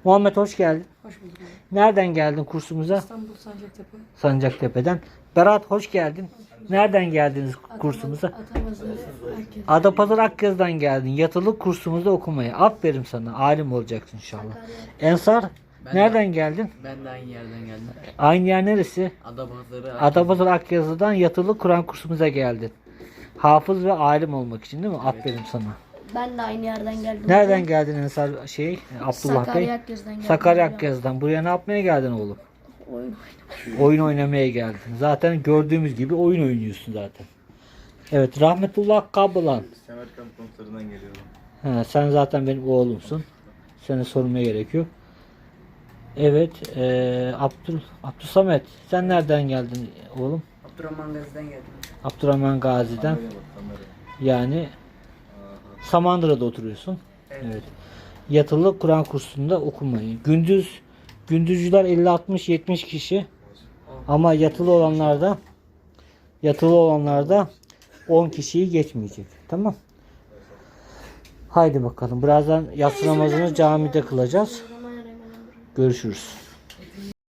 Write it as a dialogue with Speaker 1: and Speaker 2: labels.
Speaker 1: Muhammed hoş geldin.
Speaker 2: Hoş bulduk.
Speaker 1: Nereden geldin kursumuza?
Speaker 2: İstanbul Sancaktepe.
Speaker 1: Sancaktepe'den. Berat hoş geldin. Nereden geldiniz kursumuza?
Speaker 2: Atamazı herkes.
Speaker 1: Adapazarı Akyazı'dan geldin. Yatılı kursumuzda okumaya. Aferin sana. Alim olacaksın inşallah. Ensar nereden geldin?
Speaker 3: Ben de aynı yerden geldim.
Speaker 1: Aynı yer neresi?
Speaker 3: Adapazarı.
Speaker 1: Adapazarı Akyazı'dan yatılı Kur'an kursumuza geldin. Hafız ve alim olmak için değil mi? Aferin sana.
Speaker 4: Ben de aynı yerden geldim.
Speaker 1: Nereden geldin Ensar Abdullah Bey?
Speaker 4: Sakarya Akyazı'dan geldim.
Speaker 1: Sakarya Akyazı'dan. Buraya ne yapmaya geldin oğlum?
Speaker 4: Oyun.
Speaker 1: Oyun oynamaya geldin. Zaten gördüğümüz gibi oyun oynuyorsun zaten. Evet, Rahmetullah Kablan.
Speaker 5: Semerkant konserlerinden geliyorum.
Speaker 1: Sen zaten benim oğlumsun. Seni sormaya gerek yok. Evet, Abdülsamet. Sen nereden geldin oğlum?
Speaker 3: Abdurrahman Gazi'den geldim.
Speaker 1: Abdurrahman Gazi'den. Yani Samandıra'da oturuyorsun. Evet. Yatılı Kur'an kursunda okumayı. Gündüzcüler 50-60-70 kişi. Ama yatılı olanlarda 10 kişiyi geçmeyecek. Tamam. Haydi bakalım. Birazdan yatsı namazını camide kılacağız. Görüşürüz.